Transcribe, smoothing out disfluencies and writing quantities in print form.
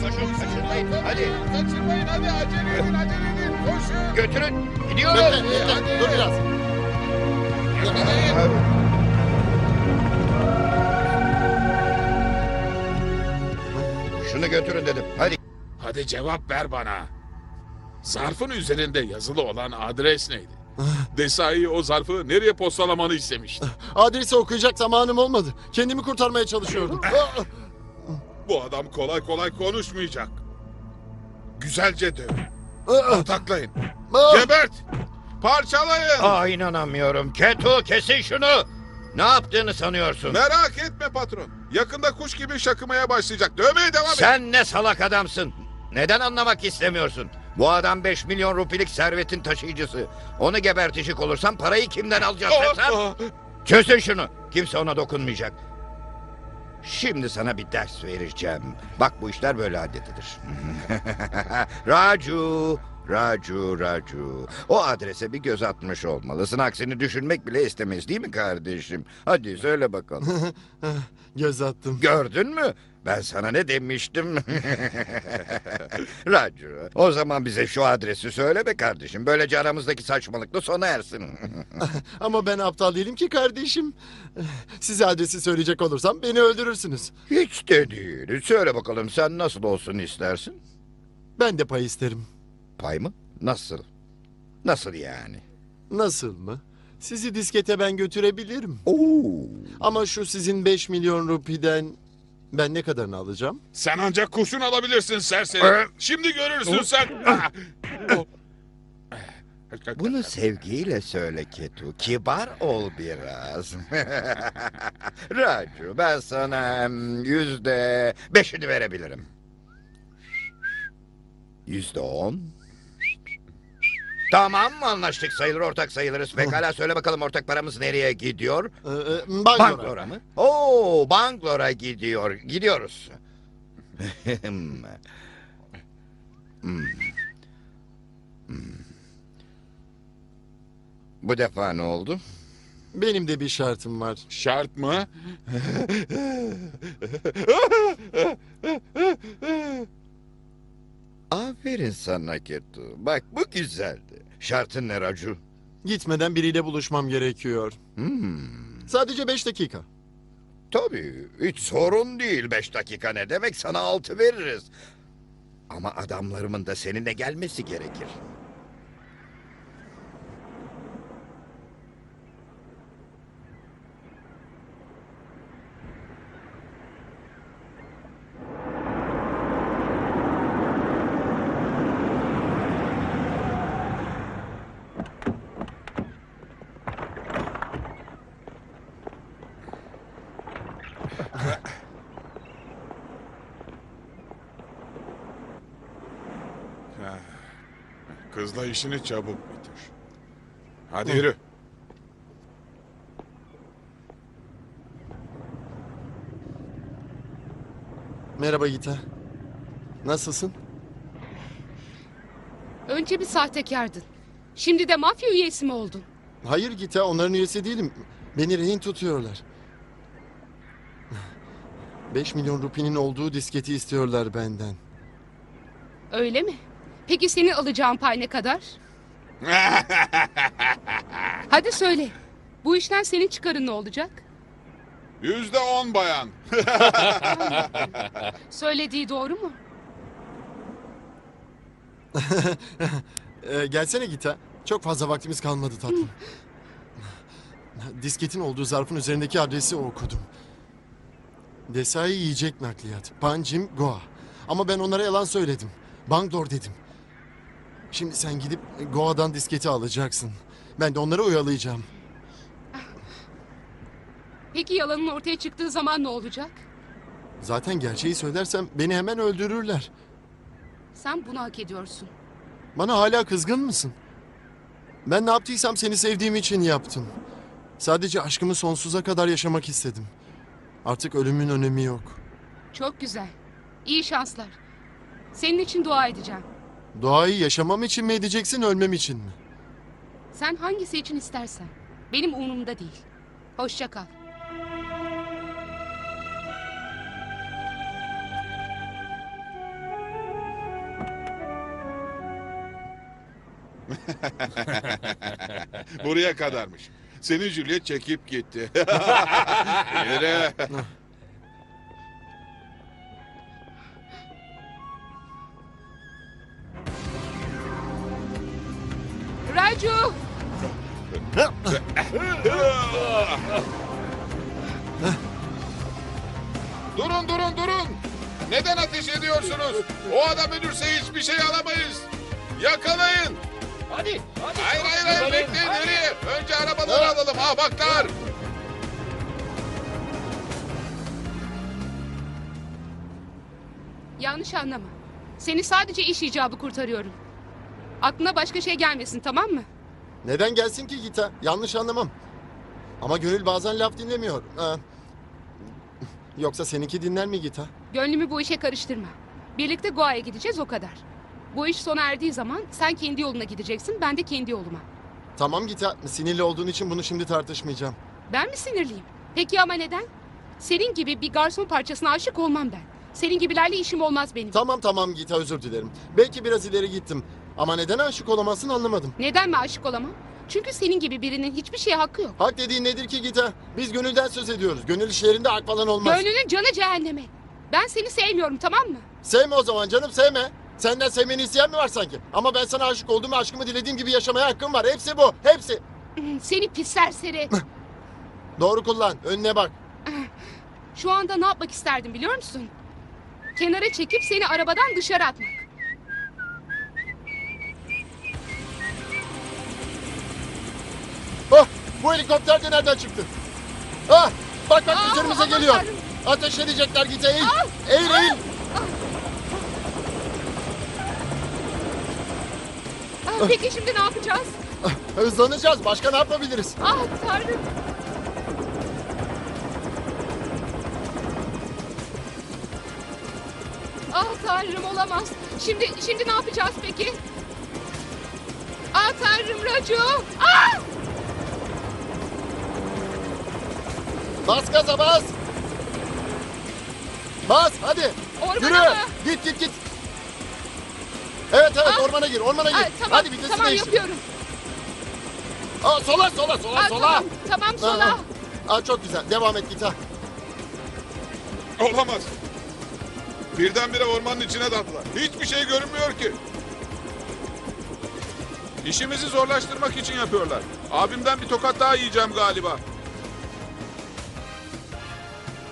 koşun kaçırmayın. Hadi Kaçırmayın hadi acele edin koşun. götürün. Gidiyoruz. Bekle, dur biraz. Şunu götürün dedim. Hadi. Hadi cevap ver bana. Zarfın üzerinde yazılı olan adres neydi? Desai o zarfı nereye postalamanı istemişti? Adresi okuyacak zamanım olmadı. Kendimi kurtarmaya çalışıyordum. Bu adam kolay kolay konuşmayacak. Güzelce dövün. Ataklayın. Gebert! Parçalayın! İnanamıyorum. Keto kesin şunu. Ne yaptığını sanıyorsun? Merak etme patron. Yakında kuş gibi şakımaya başlayacak. Dövmeye devam et. Sen ne salak adamsın. Neden anlamak istemiyorsun? Bu adam 5 milyon rupilik servetin taşıyıcısı. Onu gebertecek olursam parayı kimden alacağız sen? Çözün şunu. Kimse ona dokunmayacak. Şimdi sana bir ders vereceğim. Bak bu işler böyle halledilir. Raju. O adrese bir göz atmış olmalısın. Aksini düşünmek bile istemez değil mi kardeşim? Hadi söyle bakalım. Göz attım. Gördün mü? Ben sana ne demiştim? Raju, o zaman bize şu adresi söyle be kardeşim. Böylece aramızdaki saçmalıkla sona ersin. Ama ben aptal değilim ki kardeşim. Size adresi söyleyecek olursam beni öldürürsünüz. Hiç de değil. Söyle bakalım sen nasıl olsun istersin? Ben de pay isterim. Pay mı? Nasıl? Nasıl yani? Nasıl mı? Sizi diskete ben götürebilirim. Oo. Ama şu sizin 5 milyon rupiden ben ne kadarını alacağım? Sen ancak kurşun alabilirsin serseri. Şimdi görürsün sen. Bunu sevgiyle söyle Ketu. Kibar ol biraz. Raju, ben sana %5'ini verebilirim. %10. Tamam mı, anlaştık sayılır, ortak sayılırız. Pekala söyle bakalım, ortak paramız nereye gidiyor? Bangalore. Bangalore'a mı? Oo, Bangalore'a gidiyor. Gidiyoruz. Bu defa ne oldu? Benim de bir şartım var. Şart mı? Aferin sana Ketu. Bak bu güzeldi. Şartın ne Raju? Gitmeden biriyle buluşmam gerekiyor. Sadece 5 dakika. Tabii hiç sorun değil. 5 dakika ne demek, sana 6 veririz. Ama adamlarımın da seninle gelmesi gerekir. Kızla işini çabuk bitir. Hadi yürü. Merhaba Gita. Nasılsın? Önce bir sahtekardın. Şimdi de mafya üyesi mi oldun? Hayır Gita, onların üyesi değilim. Beni rehin tutuyorlar. 5 milyon rupinin olduğu disketi istiyorlar benden. Öyle mi? Peki senin alacağın pay ne kadar? Hadi söyle. Bu işten senin çıkarın ne olacak? %10 bayan. Söylediği doğru mu? Gelsene Gita. Çok fazla vaktimiz kalmadı tatlım. Disketin olduğu zarfın üzerindeki adresi okudum. Desai yiyecek nakliyat. Panjim Goa. Ama ben onlara yalan söyledim. Bangalore dedim. Şimdi sen gidip Goa'dan disketi alacaksın. Ben de onları oyalayacağım. Peki yalanın ortaya çıktığı zaman ne olacak? Zaten gerçeği söylersem beni hemen öldürürler. Sen bunu hak ediyorsun. Bana hala kızgın mısın? Ben ne yaptıysam seni sevdiğim için yaptım. Sadece aşkımı sonsuza kadar yaşamak istedim. Artık ölümün önemi yok. Çok güzel. İyi şanslar. Senin için dua edeceğim. Doğayı yaşamam için mi edeceksin, ölmem için mi? Sen hangisi için istersen. Benim umurumda değil. Hoşça kal. Buraya kadarmış. Seni Juliet çekip gitti. Yürü. Raju! Durun durun durun. Neden ateş ediyorsunuz? O adam ölürse hiçbir şey alamayız. Yakalayın. Hadi. Hayır bekleyin nereye? Önce arabaları alalım ahmaklar. Yanlış anlama. Seni sadece iş icabı kurtarıyorum. Aklına başka şey gelmesin, tamam mı? Neden gelsin ki Gita? Yanlış anlamam. Ama Gönül bazen laf dinlemiyor. Yoksa seninki dinler mi Gita? Gönlümü bu işe karıştırma. Birlikte Goa'ya gideceğiz, o kadar. Bu iş sona erdiği zaman sen kendi yoluna gideceksin, ben de kendi yoluma. Tamam Gita, sinirli olduğun için bunu şimdi tartışmayacağım. Ben mi sinirliyim? Peki ama neden? Senin gibi bir garson parçasına aşık olmam ben. Senin gibilerle işim olmaz benim. Tamam Gita, özür dilerim. Belki biraz ileri gittim. Ama neden aşık olamazsın anlamadım. Neden mi aşık olamam? Çünkü senin gibi birinin hiçbir şeye hakkı yok. Hak dediğin nedir ki Gita? Biz Gönül'den söz ediyoruz. Gönül işlerinde hak falan olmaz. Gönlünün canı cehenneme. Ben seni sevmiyorum, tamam mı? Sevme o zaman canım, sevme. Senden sevmeni isteyen mi var sanki? Ama ben sana aşık oldum ve aşkımı dilediğim gibi yaşamaya hakkım var. Hepsi bu, hepsi. Seni pis serseri. Doğru kullan, önüne bak. Şu anda ne yapmak isterdim biliyor musun? Kenara çekip seni arabadan dışarı atmak. Oh, bu helikopter de nereden çıktı? Ah, bak üzerimize aman geliyor. Tanrım. Ateş edecekler Gita, eğil. Eğil. Peki şimdi ne yapacağız? Hızlanacağız, başka ne yapabiliriz? Ah Tanrım. Ah Tanrım, olamaz. Şimdi ne yapacağız peki? Ah Tanrım, Raju. Ah! Bas gaza bas. Bas hadi. Ormana Yürü. mı? Git. Evet Ah! ormana gir. Ah, tamam, Hadi vitesi tamam değiştir. yapıyorum. Sola. Ah, tamam sola. Çok güzel. Devam et Gita. Olamaz. Birdenbire ormanın içine daldılar. Hiçbir şey görünmüyor ki. İşimizi zorlaştırmak için yapıyorlar. Abimden bir tokat daha yiyeceğim galiba.